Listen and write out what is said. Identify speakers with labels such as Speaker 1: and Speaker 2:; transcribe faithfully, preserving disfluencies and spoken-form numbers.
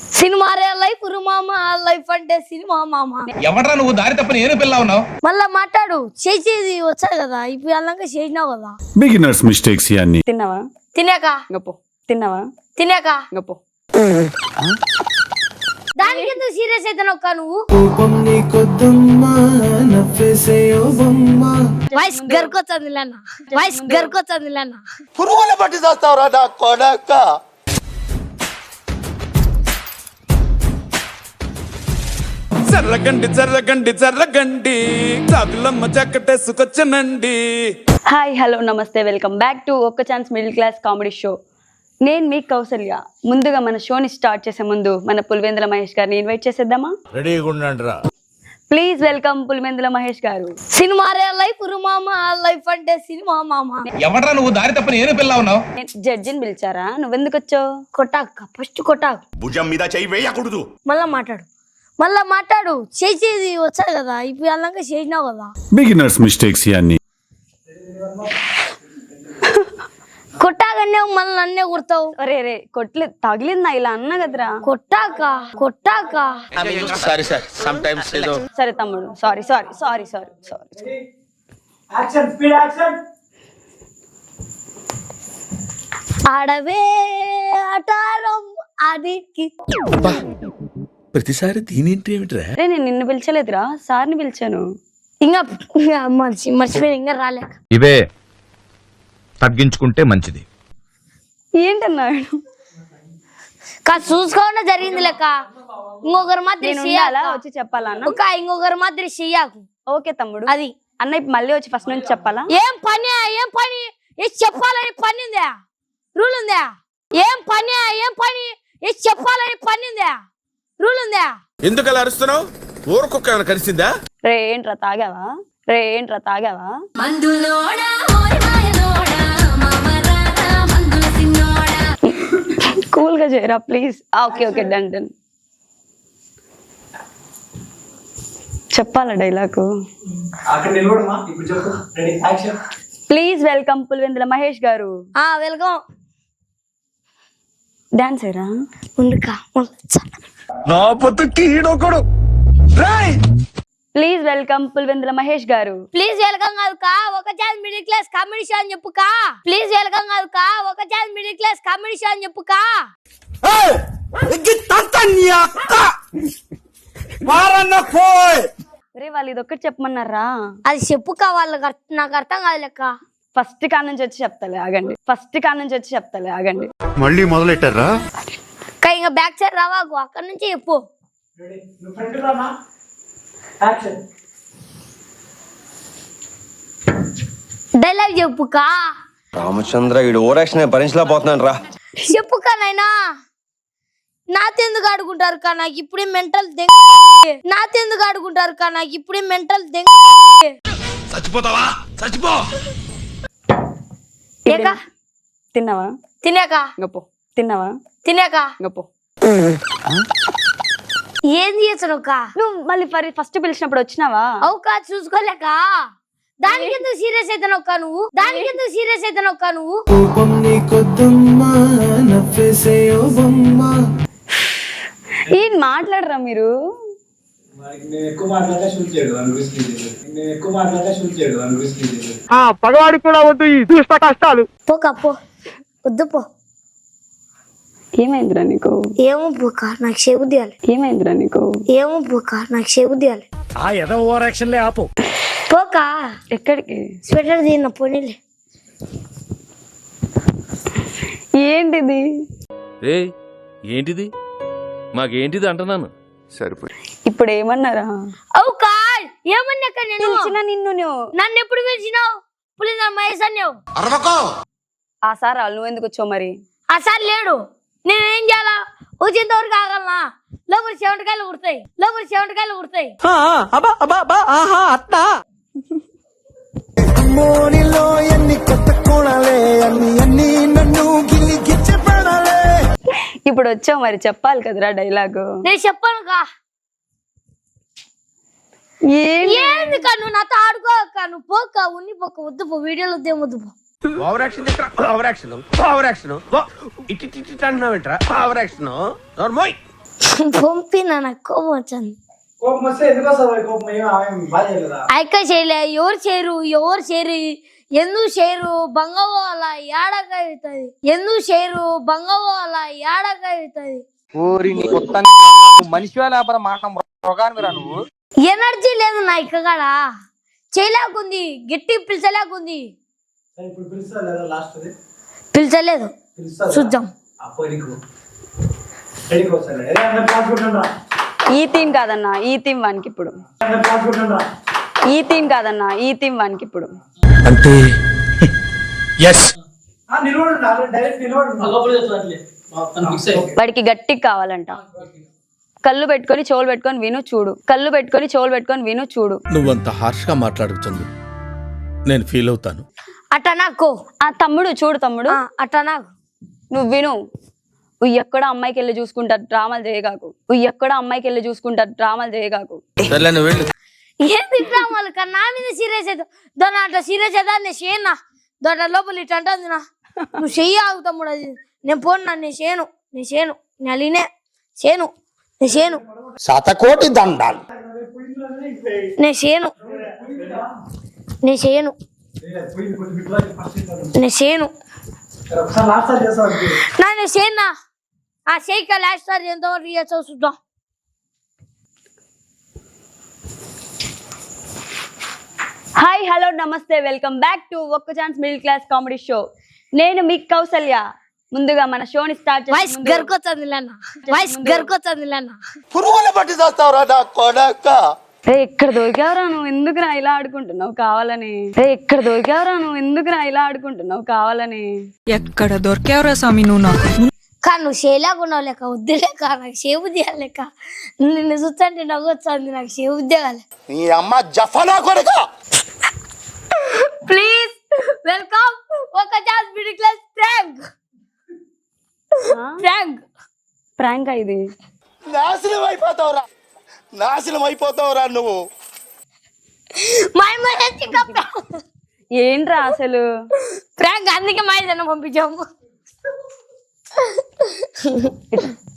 Speaker 1: Cinema రే life మామ life అంటే సినిమా మామ.
Speaker 2: ఎవడ్రా నువ్వు దారి తప్పని ఏను పిల్ల ఉన్నావు?
Speaker 1: మళ్ళా మాట్లాడు, చేసేది వచ్చాయి కదా, ఇప్పుడు అలాగా చేసినావు కదా.
Speaker 3: బిగినర్స్ మిస్టేక్స్ ఇవన్నీ.
Speaker 4: తిన్నావా?
Speaker 1: తినాక
Speaker 4: గప్పు. తిన్నావా?
Speaker 1: తినాక
Speaker 4: గప్పు.
Speaker 1: దానికి ఎందుకు సీరియస్ అయితే నొక్క నువ్వు? వాయిస్ గర్కొచ్చింది లేనా, వాయిస్ గర్కొచ్చింది లేనా.
Speaker 5: పురుగుల పట్టి చేస్తావురా నా కొడక.
Speaker 6: చర్రగండి చర్రగండి చర్రగండి చాకులమ్మ చక్కటేసుకొచ్చనండి.
Speaker 4: హాయ్ హలో నమస్తే, వెల్కమ్ బ్యాక్ టు ఒక్క chance middle class comedy show. నేను మీ కౌసల్య. ముందుగా మన షోని స్టార్ట్ చేసే ముందు మన పులివెందుల మహేష్ గారిని ఇన్వైట్ చేసేద్దామా?
Speaker 5: రెడీగా ఉండండి రా.
Speaker 4: ప్లీజ్ వెల్కమ్ పులివెందుల మహేష్ గారు.
Speaker 1: సినిమా రే లైఫ్ మామ లైఫ్ అంటే సినిమా మామ.
Speaker 2: ఎవడ్రా నువ్వు దారి తప్పని ఏను పిల్ల ఉన్నావు?
Speaker 4: జడ్జిని పిలిచారా? నువ్వెందుకు వచ్చావు?
Speaker 1: కొట్టాక ఫస్ట్ కొట్టాక
Speaker 5: భుజం మీద చెయ్యి వేయకూడదు.
Speaker 1: మళ్ళా మాట్లాడు, మళ్ళా మాట్లాడు. చేసేది వచ్చాయి కదా, ఇప్పుడు అలాగా చేసినావు కదా.
Speaker 3: బిగినర్స్ మిస్టేక్స్ ఇవన్నీ.
Speaker 1: కొట్టాకనే మళ్ళీ నన్నే కొడతావు.
Speaker 4: అరే రే కొట్లే తగిలిందా ఇలా అన్న కదరా.
Speaker 1: కొట్టాక కొట్టాక
Speaker 5: సారీ సార్, సమ్ టైమ్స్ ఏదో.
Speaker 4: సరే తమ్ముడు, sorry sorry sorry sorry sorry.
Speaker 1: ఆడవే ఆటారం ఆడికి.
Speaker 5: ప్రతిసారి దీనింటి ఏమిట్రా?
Speaker 4: అరే నేను నిన్ను పిలిచలేదురా, సార్ని పిలిచాను.
Speaker 1: ఇంకా మర్చి మర్చిపోయి ఇంకా రాలేక.
Speaker 7: ఇవే తగ్గించుకుంటే మంచిది.
Speaker 4: ఏంటన్నాడు?
Speaker 1: కాదు చూసుకోకుండా జరిగింది లెక్క. ఇంకొకరు మాత్రం
Speaker 4: నేను ఉండాలా వచ్చి చెప్పాలన్నా?
Speaker 1: ఒక ఇంకొకరు మాత్రం చెయ్యాకు.
Speaker 4: ఓకే తమ్ముడు.
Speaker 1: అది
Speaker 4: అన్న ఇప్పుడు మళ్ళీ వచ్చి ఫస్ట్ నుంచి చెప్పాలా?
Speaker 1: ఏం పని ఏం పని ఏ చెప్పాలని పని ఉందా? రూల్ ఉందా? ఏం పని ఏం పని ఏ చెప్పాలని పని ఉందా? రూల్ ఉందా?
Speaker 5: ఎందుకు అలా అరుస్తున్నావు? ఊరుకొక్క ఏమైనా కలిసిందా?
Speaker 4: రే ఏంట్రా తాగావా? రే ఏంట్రా తాగావా? కూల్ గా చేయరా please. Okay okay done done. చెప్పాలా dialogue? Please welcome Pulivendula Mahesh గారు.
Speaker 1: ఆ వెల్కమ్.
Speaker 4: డాన్స్ ఏరా
Speaker 1: ఉండుకా
Speaker 5: నా బతుకి ఈడొకడు. రేయ్
Speaker 4: ప్లీజ్ వెల్కమ్ పులివెందుల మహేష్ గారు.
Speaker 1: ప్లీజ్ వెల్కమ్ కాదు కా, ఒక chance middle class comedy show అని చెప్పు కా. ప్లీజ్ వెల్కమ్ కాదు కా, ఒక chance middle class comedy show అని చెప్పు కా.
Speaker 5: ఏయ్ ఇగ్గి తంతని అక్క వారన్న పోయ్.
Speaker 4: రే వాళ్ళు ఇది ఒక్కటి చెప్పమన్నారా?
Speaker 1: అది చెప్పు కా, వాళ్ళకి అర్థం నాకు అర్థం కాదు లెక్క.
Speaker 4: ఫస్ట్ కాడ నుంచి వచ్చి చెప్తాలే ఆగండి. ఫస్ట్ కాడ నుంచి వచ్చి చెప్తాలే ఆగండి.
Speaker 3: మళ్ళీ మొదలెట్టారా?
Speaker 1: కా ఇంకా బ్యాక్ సైడ్ రావాకు, అక్కడ నుంచి చెప్పు. డైలాగ్ చెప్పు కా.
Speaker 8: రామచంద్ర ఈడు ఓరాక్షన్ భరించలేకపోతున్నాను రా.
Speaker 1: చెప్పు కా నాయనా. నాతెందుకు ఆడుకుంటారు కా, నాకు ఇప్పుడే మెంటల్ దెంగ. నాతెందుకు ఆడుకుంటారు కా, నాకు ఇప్పుడే మెంటల్ దెంగ.
Speaker 5: చచ్చిపోతావా? చచ్చిపో.
Speaker 1: ఏకా
Speaker 4: తిన్నావా?
Speaker 1: తినాక
Speaker 4: గప్పు. తిన్నావా?
Speaker 1: తినాక
Speaker 4: గప్పు.
Speaker 1: ఏంది చేసాను కా?
Speaker 4: నువ్వు మళ్ళీ ఫస్ట్ పిలిచినప్పుడు వచ్చినావా?
Speaker 1: అవుకా చూసుకోలేక. దానికి ఎందుకు సీరియస్ అయితే నొక్క నువ్వు? దానికి ఎందుకు సీరియస్ అయితే నొక్క నువ్వు?
Speaker 4: ఏం మాట్లాడరా మీరు?
Speaker 2: పగవాడి కూడా వద్దు ఈ దుష్ట కష్టాలు.
Speaker 1: పోకా పో, వద్దు పో.
Speaker 4: ఏమైందిరా నీకు?
Speaker 1: ఏమో పోకా, నాకు చెవు తీయాలి.
Speaker 4: ఏమైందిరా నీకు?
Speaker 1: ఏమో పోకా, నాకు చెవు తీయాలి.
Speaker 2: ఆ ఏదో ఓవర్ యాక్షన్ లే ఆపు.
Speaker 1: పోకా
Speaker 4: ఎక్కడికి?
Speaker 1: స్వెటర్ తీన పోనీలే.
Speaker 4: ఏంటిది?
Speaker 9: రే ఏంటిది? మాకేంటిది అంటున్నాను.
Speaker 8: సరిపోయి
Speaker 4: ఇప్పుడు ఏమన్నారా?
Speaker 1: అవుకా ఏమన్నాక నేను
Speaker 4: పిలిచిన నిన్ను నువ్వు
Speaker 1: నన్ను ఎప్పుడు పిలిచినావు? పులిందా మహేష్ అన్నావు.
Speaker 5: అరవకో.
Speaker 4: ఆ సార్ నువ్వు ఎందుకు వచ్చావు మరి?
Speaker 1: ఆ సార్ లేడు, నేనేం చేయాలా? వచ్చేంత వరకు ఆగలనా? లోపల చెమటకాయలు కుడతాయి, లోపల చెమటకాయలు కుడతాయి.
Speaker 4: ఇప్పుడు వచ్చావు మరి చెప్పాలి కదరా డైలాగు.
Speaker 1: నేను చెప్పాను కా. ఏంది కా నువ్వు నాతో ఆడుకోక, నువ్వు పోక ఉన్ని పోక, వద్దు పో, వీడియోలో వద్దే వద్దు పో.
Speaker 5: Over action over action over action ఇటు ఇటు అంటున్నావు ఏంట్రా? ఓవర్ యాక్షన్ నోర్మోయ్.
Speaker 1: పంపిన నాకు కోపం వచ్చింది.
Speaker 7: కోపం వస్తే ఎందుకు వస్తుంది కోపం? ఏం ఆమె బాధ చేయలేదా?
Speaker 1: అక్క చేయలే, ఎవరు చేయరు ఎవరు చేయరు ఎందుకు చేయరు బంగవో అలా ఏడక అవుతుంది, ఎందుకు చేయరు బంగవో అలా ఏడక అవుతుంది.
Speaker 7: మనిషి లేకపోతే మాట రోగాన్ని రా నువ్వు.
Speaker 1: ఎనర్జీ లేదు నా ఇక్కడ, చేయలేకుంది, గట్టి పిలిచలేకుంది.
Speaker 7: ఇప్పుడు పిలుస్తా లేదా లాస్ట్
Speaker 1: పిలిచలేదు, చూద్దాం.
Speaker 4: ఈ థీమ్ కాదన్నా, ఈ థీమ్ వానికి ఇప్పుడు. ఈ థీమ్ కాదన్నా, ఈ థీమ్ వానికి ఇప్పుడు.
Speaker 5: అంటే ఎస్
Speaker 4: వాడికి గట్టిగా కావాలంట. కళ్ళు పెట్టుకొని చెవులు పెట్టుకొని విను చూడు, కళ్ళు పెట్టుకొని చెవులు పెట్టుకొని విను చూడు.
Speaker 5: నువ్వంత హార్ష్ గా మాట్లాడుతుంది, నేను ఫీల్ అవుతాను.
Speaker 1: అట్ట నాకు
Speaker 4: ఆ తమ్ముడు చూడు తమ్ముడు,
Speaker 1: అట్ట నాకు
Speaker 4: నువ్వు విను. నువ్వు ఎక్కడ అమ్మాయికి వెళ్ళి చూసుకుంటా డ్రామాలు చేయగాకు, నువ్వు ఎక్కడ అమ్మాయికి వెళ్ళి చూసుకుంటా డ్రామాలు చేయగాకు.
Speaker 1: ఏంది డ్రామాలు కన్నా నా మీద సీరియస్ అవుతావు? దాని అట్లా సీరియస్ అవుతా నేను చేయనా? దాంట్లో లోపల ఇట్లా అంటుంది నా, నువ్వు చెయ్యి ఆగు తమ్ముడు, అది నేను పోను నా, నేను చేయను, నేను చేయను, నేను అలీనే చేయను, నేను చేయను,
Speaker 5: శతకోటి దండాలు.
Speaker 1: నేను చేయను, నేను చేయను, నేను చేయను నా, నేను చేయనా? ఆ చేయక లాస్ట్ సార్ ఎంతవరకు చేస్తావు చూద్దాం.
Speaker 4: హాయ్ హలో నమస్తే, వెల్కమ్ బ్యాక్ టు ఒక్క chance middle class comedy show. నేను మీ కౌసల్య. ముందుగా మన షోని స్టార్ట్
Speaker 1: వాయిస్ గర్కొచ్చింది లేనా, వాయిస్ గర్కొచ్చింది లేనా.
Speaker 5: పురుగులు పట్టి చేస్తావురా నా కొడక.
Speaker 4: రే ఎక్కడ దొరికావరా నువ్వు, ఎందుకురా ఇలా ఆడుకుంటున్నావు కావాలని? రే ఎక్కడ దొరికావరా నువ్వు, ఎందుకురా ఇలా ఆడుకుంటున్నావు కావాలని?
Speaker 10: ఎక్కడ దొరికావరా స్వామి నువ్వు నాకు?
Speaker 1: కానీ నువ్వు చేయలేకున్నావు లేక, వద్దులేక నాకు చేబుద్ది లేక, నిన్ను చూస్తుంటే నవ్వు వచ్చింది నాకు, చేబుద్దే కాలే.
Speaker 5: నీ అమ్మ జఫనా కొడుక.
Speaker 1: ప్లీజ్ వెల్కమ్ ఒక chance middle class prank. Prank
Speaker 4: prank ఇది.
Speaker 5: నాశనం అయిపోతావురా, నాశనం అయిపోతావురా నువ్వు.
Speaker 1: మై మై
Speaker 4: ఏంట్రా అసలు
Speaker 1: ప్రాంక్, అందుకే మై జన పంపించాము.